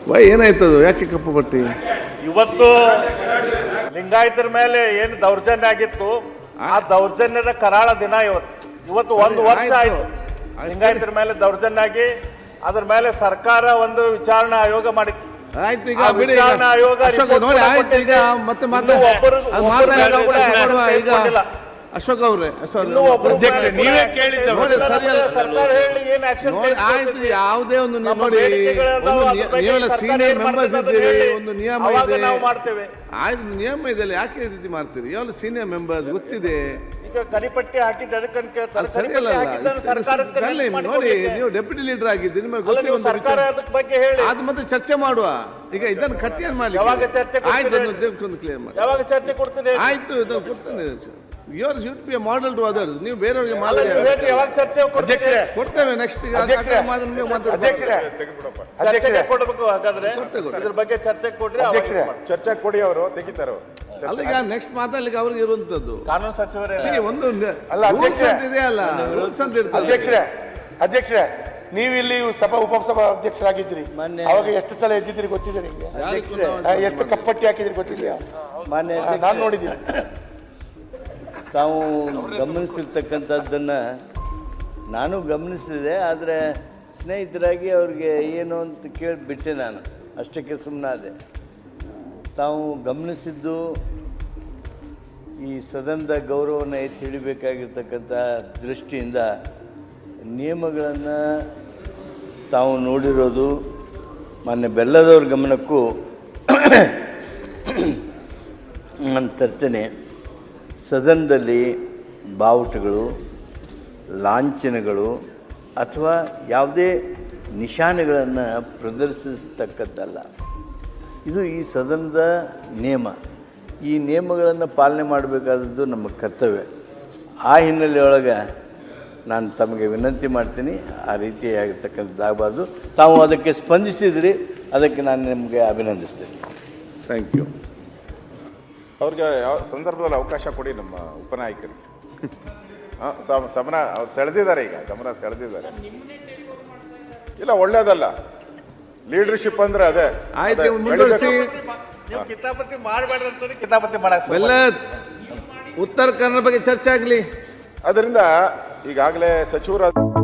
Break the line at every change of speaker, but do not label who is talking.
ಏನಾಯ್ತದು? ಯಾಕೆ ಕಪ್ಪು ಪಟ್ಟಿ?
ಇವತ್ತು ಲಿಂಗಾಯತರ ಮೇಲೆ ಏನು ದೌರ್ಜನ್ಯ ಆಗಿತ್ತು, ಆ ದೌರ್ಜನ್ಯದ ಕರಾಳ ದಿನ ಇವತ್ತು 1 ವರ್ಷ ಆಯ್ತು ಲಿಂಗಾಯತರ ಮೇಲೆ ದೌರ್ಜನ್ಯ ಆಗಿ. ಅದ್ರ ಮೇಲೆ ಸರ್ಕಾರ ಒಂದು ವಿಚಾರಣಾ ಆಯೋಗ ಮಾಡಿತ್ತು.
ಆಯ್ತು, ಈಗ ವಿಚಾರಣಾ
ಆಯೋಗ
ಮತ್ತೆ ಅಶೋಕ್ ಅವ್ರೆ,
ನೀವೇ ಕೇಳಿದ್ದು ಸರ್ಕಾರ ಹೇಳಿ ಏನು ಆಕ್ಷನ್
ಆಯ್ತು. ಯಾವುದೇ ಒಂದು ನೋಡಿ, ನೀವೆಲ್ಲ ಸೀನಿಯರ್ ಮೆಂಬರ್ಸ್ ಇದ್ದೀರಿ, ಒಂದು ನಿಯಮ ಇದೆ,
ನಾವು ಮಾಡ್ತೇವೆ.
ಆಯ್ತು, ನಿಯಮ ಇದೆ, ಯಾಕೆ ಈ ರೀತಿ ಮಾಡ್ತೀರಿ? ಯಾವಲ್ಲ ಸೀನಿಯರ್ ಮೆಂಬರ್ಸ್ ಗೊತ್ತಿದೆ.
ಈಗ ಕಲಿಪಟ್ಟಿ ಹಾಕಿದ್ದು
ಸರಿಯಲ್ಲ. ನೋಡಿ, ನೀವು ಡೆಪ್ಯೂಟಿ ಲೀಡರ್ ಆಗಿದ್ದೀರಿ, ನಿಮಗೆ ಗೊತ್ತಿದೆ.
ಸರ್ಕಾರ ಅದಕ್ಕೆ ಬಗ್ಗೆ ಹೇಳಿ
ಅದು ಮತ್ತೆ ಚರ್ಚೆ ಮಾಡುವ. ಈಗ ಇದನ್ನು ಕಟ್ಟಿಯನ್ನು ಮಾಡಿ
ಯಾವಾಗ ಚರ್ಚೆ
ಆಯ್ತು, ಕ್ಲಿಯರ್ ಮಾಡಿ.
ಯಾವಾಗ ಚರ್ಚೆ ಕೊಡ್ತೀನಿ?
ಆಯ್ತು, ಇದನ್ನು ಕೊಡ್ತೇನೆ. You're should be a model to others. ನೀವು ಬೇರೆಯವರಿಗೆ ಮಾದರಿ
ಯಾವಾಗ ಚರ್ಚೆ
ಕೊಡ್ತೇವೆ. ನೆಕ್ಸ್ಟ್
ಕೊಡಬೇಕು. ಹಾಗಾದ್ರೆ ಇದ್ರ ಬಗ್ಗೆ ಚರ್ಚೆ ಕೊಡ್ರಿ,
ಚರ್ಚೆ ಕೊಡಿ, ಅವರು ತೆಗಿತಾರೆ.
ಅಲ್ಲ, ಈಗ ನೆಕ್ಸ್ಟ್ ಮಾತಾಡ್ಲಿಕ್ಕೆ ಅವ್ರಿಗೆ ಇರುವಂತದ್ದು
ಕಾನೂನು ಸಚಿವರೇ
ಒಂದು ರೂಲ್ಸ್ ಅಂತ ಇದೆಯಲ್ಲ, ರೂಲ್ಸ್ ಅಂತ ಇರ್ತದೆ.
ಅಧ್ಯಕ್ಷರೇ, ನೀವು ಇಲ್ಲಿ ಉಪಸಭಾ ಅಧ್ಯಕ್ಷರಾಗಿದ್ದೀರಿ, ಅವಾಗ ಎಷ್ಟು ಸಲ ಎದ್ದಿದ್ದೀರಿ ಗೊತ್ತಿದೆ ನಿಮ್ಗೆ? ಎಷ್ಟು ಕಪ್ಪಟ್ಟಿ ಹಾಕಿದ್ರಿ ಗೊತ್ತಿದೆಯಾ? ನಾನು ನೋಡಿದ್ದೀನಿ.
ತಾವು ಗಮನಿಸಿರ್ತಕ್ಕಂಥದ್ದನ್ನು ನಾನು ಗಮನಿಸಿದೆ. ಆದರೆ ಸ್ನೇಹಿತರಾಗಿ ಅವ್ರಿಗೆ ಏನು ಅಂತ ಕೇಳಿಬಿಟ್ಟೆ, ನಾನು ಅಷ್ಟಕ್ಕೆ ಸುಮ್ಮನಾದೆ. ತಾವು ಗಮನಿಸಿದ್ದು ಈ ಸದನದ ಗೌರವವನ್ನು ಎತ್ತಿ ಹಿಡಿಬೇಕಾಗಿರ್ತಕ್ಕಂಥ ದೃಷ್ಟಿಯಿಂದ ನಿಯಮಗಳನ್ನು ತಾವು ನೋಡಿರೋದು ಮಾನ್ಯ ಬೆಲ್ಲದವ್ರ ಗಮನಕ್ಕೂ ನಾನು ತರ್ತೇನೆ. ಸದನದಲ್ಲಿ ಬಾವುಟಗಳು, ಲಾಂಛನಗಳು ಅಥವಾ ಯಾವುದೇ ನಿಶಾನೆಗಳನ್ನು ಪ್ರದರ್ಶಿಸತಕ್ಕದ್ದಲ್ಲ. ಇದು ಈ ಸದನದ ನಿಯಮ. ಈ ನಿಯಮಗಳನ್ನು ಪಾಲನೆ ಮಾಡಬೇಕಾದದ್ದು ನಮ್ಮ ಕರ್ತವ್ಯ. ಆ ಹಿನ್ನೆಲೆಯೊಳಗೆ ನಾನು ತಮಗೆ ವಿನಂತಿ ಮಾಡ್ತೀನಿ, ಆ ರೀತಿಯಾಗಿರ್ತಕ್ಕಂಥದ್ದಾಗಬಾರ್ದು. ತಾವು ಅದಕ್ಕೆ ಸ್ಪಂದಿಸಿದ್ರಿ, ಅದಕ್ಕೆ ನಾನು ನಿಮಗೆ ಅಭಿನಂದಿಸ್ತೇನೆ.
Thank you.
ಅವ್ರಿಗೆ ಯಾವ ಸಂದರ್ಭದಲ್ಲಿ ಅವಕಾಶ ಕೊಡಿ ನಮ್ಮ ಉಪನಾಯಕರಿಗೆ. ಸಮರ ಅವ್ರು ಸೆಳೆದಿದ್ದಾರೆ, ಈಗ ಗಮನ ಸೆಳೆದಿದ್ದಾರೆ. ಇಲ್ಲ, ಒಳ್ಳೇದಲ್ಲ. ಲೀಡರ್ಶಿಪ್ ಅಂದ್ರೆ ಅದೇ.
ಆಯ್ತು, ಮುಂದುವರಿಸಿ.
ಕಿತಾಪತಿ ಮಾಡಬೇಡ್ರಿ, ಕಿತಾಪತಿ ಮಾಡಕ್ಕೆ
ಉತ್ತರ ಕನ್ನಡ ಬಗ್ಗೆ ಚರ್ಚೆ ಆಗಲಿ.
ಅದರಿಂದ ಈಗಾಗಲೇ ಸಚಿವರು